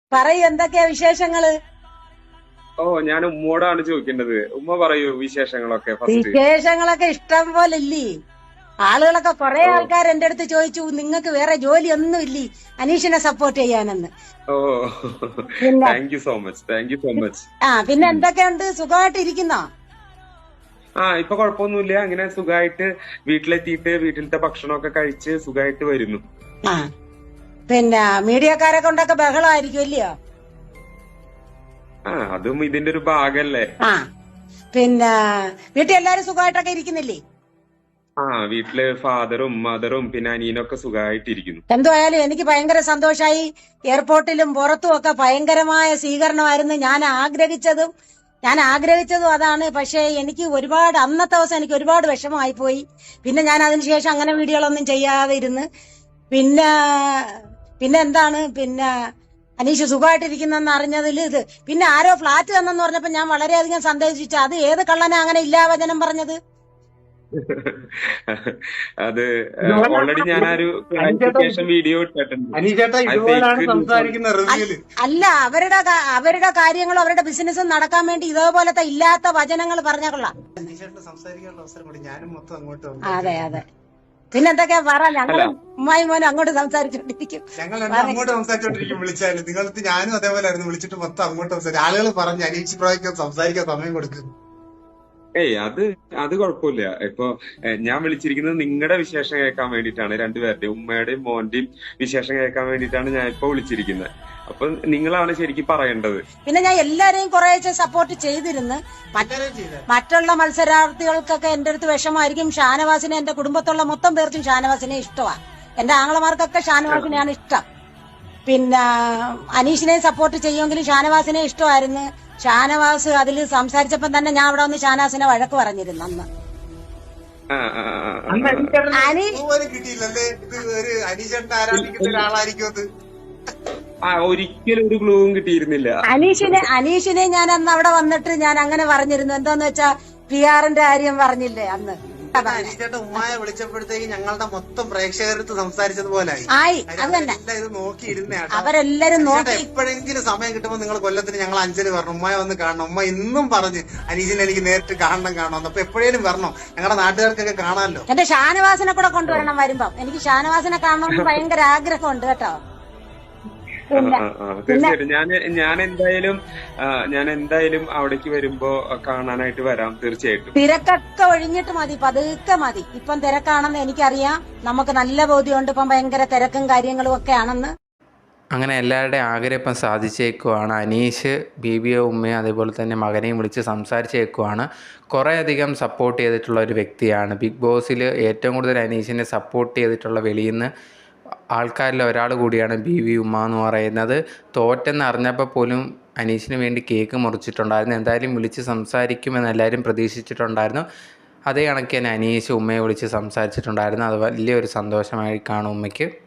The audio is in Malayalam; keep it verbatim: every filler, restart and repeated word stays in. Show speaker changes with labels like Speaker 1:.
Speaker 1: പറയൂ, എന്തൊക്കെയാ വിശേഷങ്ങള്?
Speaker 2: ഓ ഞാൻ ഉമ്മോടാണ് ചോദിക്കേണ്ടത്. ഉമ്മ പറയൂ വിശേഷങ്ങളൊക്കെ ഫസ്റ്റ്.
Speaker 1: വിശേഷങ്ങളൊക്കെ ഇഷ്ടം പോലെ ഇല്ലേ? ആളുകളൊക്കെ കുറെ
Speaker 2: ഓ
Speaker 1: ആൾക്കാർ എന്റെ അടുത്ത് ചോദിച്ചു, നിങ്ങൾക്ക് വേറെ ജോലി ഒന്നും ഇല്ലേ അനീഷിനെ സപ്പോർട്ട് ചെയ്യാനെന്ന്.
Speaker 2: ഓ
Speaker 1: പിന്നെ
Speaker 2: thank you so much, thank you so much.
Speaker 1: ആ പിന്നെ എന്തൊക്കെയുണ്ട്, സുഖമായിട്ട് ഇരിക്കുന്നോ?
Speaker 2: ആ ഇപ്പൊ കുഴപ്പമൊന്നുമില്ല, അങ്ങനെ സുഖമായിട്ട് വീട്ടിലെത്തിയിട്ട് വീട്ടിലത്തെ ഭക്ഷണമൊക്കെ കഴിച്ച് സുഖമായിട്ട് വരുന്നു.
Speaker 1: ആ പിന്നെ മീഡിയക്കാരെ കൊണ്ടൊക്കെ ബഹളമായിരിക്കും ഇല്ലയോ?
Speaker 2: ആ അതും ഇതിന്റെ ഒരു ഭാഗല്ലേ.
Speaker 1: ആ പിന്നെ വീട്ടിൽ എല്ലാരും സുഖമായിട്ടൊക്കെ ഇരിക്കുന്നില്ലേ?
Speaker 2: ആ വീട്ടില് ഫാദറും മദറും പിന്നെ അനിയനൊക്കെ സുഖമായിട്ടിരിക്കുന്നു.
Speaker 1: എന്തുവായാലും എനിക്ക് ഭയങ്കര സന്തോഷായി. എയർപോർട്ടിലും പുറത്തും ഒക്കെ ഭയങ്കരമായ സ്വീകരണമായിരുന്നു. ഞാൻ ആഗ്രഹിച്ചതും ഞാൻ ആഗ്രഹിച്ചതും അതാണ്. പക്ഷേ എനിക്ക് ഒരുപാട് അന്നത്തെ ദിവസം എനിക്ക് ഒരുപാട് വിഷമമായി പോയി. പിന്നെ ഞാൻ അതിനുശേഷം അങ്ങനെ വീഡിയോകളൊന്നും ചെയ്യാതെ ഇരുന്ന്. പിന്നെ പിന്നെ എന്താണ് പിന്നെ അനീഷ് സുഖമായിട്ടിരിക്കുന്നെന്ന് അറിഞ്ഞതിൽ ഇത് പിന്നെ ആരോ ഫ്ലാറ്റ് തന്നെന്ന് പറഞ്ഞപ്പോ ഞാൻ വളരെയധികം സന്തോഷിച്ചു. അത് ഏത് കള്ളനാ അങ്ങനെ ഇല്ലാവചനം പറഞ്ഞത്?
Speaker 2: അത്
Speaker 3: ഇതുപോലാണ്
Speaker 2: ഓൾറെഡി ഞാൻ ആ ഒരു
Speaker 3: അനീഷേട്ടാ ഇത്
Speaker 2: ക്ലാരിഫിക്കേഷൻ വീഡിയോ ഇട്ടിട്ടുണ്ട്.
Speaker 3: അനീഷേട്ടാ
Speaker 2: അത്
Speaker 3: ഇതുപോലാണ്
Speaker 2: ഫേക്ക് ന്യൂസ് ആണ്.
Speaker 3: സംസാരിക്കുന്ന റിവ്യൂല്.
Speaker 1: അല്ല, അവരുടെ കാ- അവരുടെ കാര്യങ്ങളും അവരുടെ ബിസിനസ്സും നടക്കാൻ വേണ്ടി ഇതേപോലത്തെ ഇല്ലാത്ത വചനങ്ങൾ പറഞ്ഞ കൊള്ളാം.
Speaker 3: അനീഷേട്ടന് സംസാരിക്കാനുള്ള അവസരം കൂടി ഞാനും മൊത്തം അങ്ങോട്ട്
Speaker 1: അതെ
Speaker 3: സംസാരിച്ചു.
Speaker 1: അതെ. പിന്നെന്തൊക്കെയാ പറ,
Speaker 2: അല്ല
Speaker 1: ഞങ്ങളും ഉമ്മായും മോനും അങ്ങോട്ട് സംസാരിച്ചോണ്ടിരിക്കും.
Speaker 3: ഞങ്ങൾ രണ്ടും അങ്ങോട്ട് സംസാരിച്ചോണ്ടിരിക്കും. വിളിച്ചാലും നിങ്ങൾക്ക് ഞാനും അതേപോലെ ആയിരുന്നു, വിളിച്ചിട്ട് മൊത്തം അങ്ങോട്ട് സംസാരിച്ചു. ആളുകൾ പറഞ്ഞു അനീഷ് ബ്രോയ്ക്ക് സംസാരിക്കാൻ സമയം കൊടുക്കും.
Speaker 2: ഏയ് അത് അത് കുഴപ്പമില്ല. ഇപ്പൊ ഏഹ്, ഞാൻ വിളിച്ചിരിക്കുന്നത് നിങ്ങളുടെ വിശേഷം കേൾക്കാൻ വേണ്ടിയിട്ടാണ്. രണ്ടുപേരുടെയും ഉമ്മയുടെയും മോന്റെയും വിശേഷം കേൾക്കാൻ വേണ്ടിയിട്ടാണ് ഞാൻ ഇപ്പൊ വിളിച്ചിരിക്കുന്നത്. അപ്പൊ നിങ്ങളാണ് ശരിക്കും പറയേണ്ടത്.
Speaker 1: പിന്നെ ഞാൻ എല്ലാരെയും കുറേശ്ശെ സപ്പോർട്ട് ചെയ്തിരുന്നു. മറ്റ്
Speaker 3: എല്ലാവരും ചെയ്തേ.
Speaker 1: മറ്റുള്ള മത്സരാർത്ഥികൾക്കൊക്കെ എന്റെ അടുത്ത് വിഷമായിരിക്കും. ഷാനവാസിനെ, എന്റെ കുടുംബത്തുള്ള മൊത്തം പേർക്കും ഷാനവാസിനെ ഇഷ്ടമാണ്. എന്റെ ആങ്ങളമാർക്കൊക്കെ ഷാനവാസിനെയാണ് ഇഷ്ടം. പിന്നെ അനീഷിനെ സപ്പോർട്ട് ചെയ്യുമെങ്കിലും ഷാനവാസിനെ ഇഷ്ടമായിരുന്നു. ഷാനവാസ് അതിൽ സംസാരിച്ചപ്പം തന്നെ ഞാൻ അവിടെ വന്ന് ഷാനവാസിനെ വഴക്ക് പറഞ്ഞിരുന്നു അന്ന്.
Speaker 2: ആ ആ ആ, ആ,
Speaker 3: അന്ന്
Speaker 2: ആ.
Speaker 3: അനീഷേട്ടന്
Speaker 1: അനീഷ്
Speaker 3: പോലും കിട്ടിയില്ലല്ലേ ഇത് ഒരു അനീഷേട്ടനെ ആരാധിക്കുന്ന ഒരാളായിരിക്കും അത്.
Speaker 2: ആ ഒരിക്കലും ഒരു ക്ലൂവും കിട്ടിയിരുന്നില്ല.
Speaker 1: അനീഷിനെ അനീഷിനെ ഞാൻ അന്ന് അവിടെ വന്നിട്ട് ഞാൻ അങ്ങനെ പറഞ്ഞിരുന്നു. എന്താന്ന് വെച്ചാ പി ആറിന്റെ കാര്യം പറഞ്ഞില്ലേ അന്ന്.
Speaker 3: എന്നിട്ട് അനീഷേട്ടൻ ഉമ്മായെ വിളിച്ചപ്പോഴത്തേക്ക് ഞങ്ങളുടെ മൊത്തം പ്രേക്ഷകരടുത്ത് സംസാരിച്ചതുപോലായി.
Speaker 1: ആയി,
Speaker 3: കാര്യം
Speaker 1: അത് തന്നെ.
Speaker 3: അവരെല്ലാം ഇത് നോക്കിയിരുന്നേട്ടാ.
Speaker 1: അവരെല്ലാരും
Speaker 3: അനീഷേട്ടാ
Speaker 1: നോക്കി.
Speaker 3: എപ്പോഴെങ്കിലും സമയം കിട്ടുമ്പോൾ നിങ്ങൾ കൊല്ലത്തിന് ഞങ്ങൾ അഞ്ചല് വരണം, ഉമ്മയെ വന്ന് കാണണം. ഉമ്മ ഇന്നും പറഞ്ഞ് അനീഷിനെ എനിക്ക് നേരിട്ട് കാണണം കാണണം. അപ്പൊ എപ്പോഴേലും വരണം, ഞങ്ങളുടെ നാട്ടുകാർക്കൊക്കെ കാണാമല്ലോ.
Speaker 1: എന്റെ ഷാനവാസിനെ കൂടെ കൊണ്ടുവരണം വരുമ്പം. എനിക്ക് ഷാനവാസിനെ കാണണമെന്ന് ഭയങ്കര ആഗ്രഹമുണ്ട് കേട്ടോ.
Speaker 2: ആ,
Speaker 1: പിന്നെ
Speaker 2: ആ, ആ.
Speaker 1: പിന്നെ
Speaker 2: തീർച്ചയായിട്ടും ഞാൻ ഞാൻ എന്തായാലും ആ, ഞാൻ എന്തായാലും അവിടേക്ക് വരുമ്പോ കാണാനായിട്ട് വരാം തീർച്ചയായിട്ടും.
Speaker 1: തിരക്കൊക്കെ ഒഴിഞ്ഞിട്ട് മതി, പതുക്കെ മതി. ഇപ്പം തിരക്കാണെന്ന് എനിക്കറിയാം. നമുക്ക് നല്ല ബോധ്യമുണ്ട് ഇപ്പം ഭയങ്കര തിരക്കും കാര്യങ്ങളും ഒക്കെ ആണെന്ന്.
Speaker 4: അങ്ങനെ എല്ലാവരുടെയും ആഗ്രഹം ഇപ്പം സാധിച്ചേക്കുവാണ്. അനീഷ് ബീബിയോ ഉമ്മയും അതേപോലെ തന്നെ മകനെയും വിളിച്ച് സംസാരിച്ചേക്കുവാണ്. കുറേയധികം സപ്പോർട്ട് ചെയ്തിട്ടുള്ള ഒരു വ്യക്തിയാണ്. ബിഗ് ബോസിൽ ഏറ്റവും കൂടുതൽ അനീഷിനെ സപ്പോർട്ട് ചെയ്തിട്ടുള്ള വെളിയിൽ നിന്ന് ആൾക്കാരിൽ ഒരാൾ കൂടിയാണ് ബി വി ഉമ്മ എന്ന് പറയുന്നത്. തോറ്റെന്ന് അറിഞ്ഞപ്പോൾ പോലും അനീഷിന് വേണ്ടി കേക്ക് മുറിച്ചിട്ടുണ്ടായിരുന്നു. എന്തായാലും വിളിച്ച് സംസാരിക്കുമെന്ന് എല്ലാവരും പ്രതീക്ഷിച്ചിട്ടുണ്ടായിരുന്നു. അതേ കണക്ക് തന്നെ അനീഷ് ഉമ്മയെ വിളിച്ച് സംസാരിച്ചിട്ടുണ്ടായിരുന്നു. അത് വലിയൊരു സന്തോഷമായി കാണും ഉമ്മയ്ക്ക്.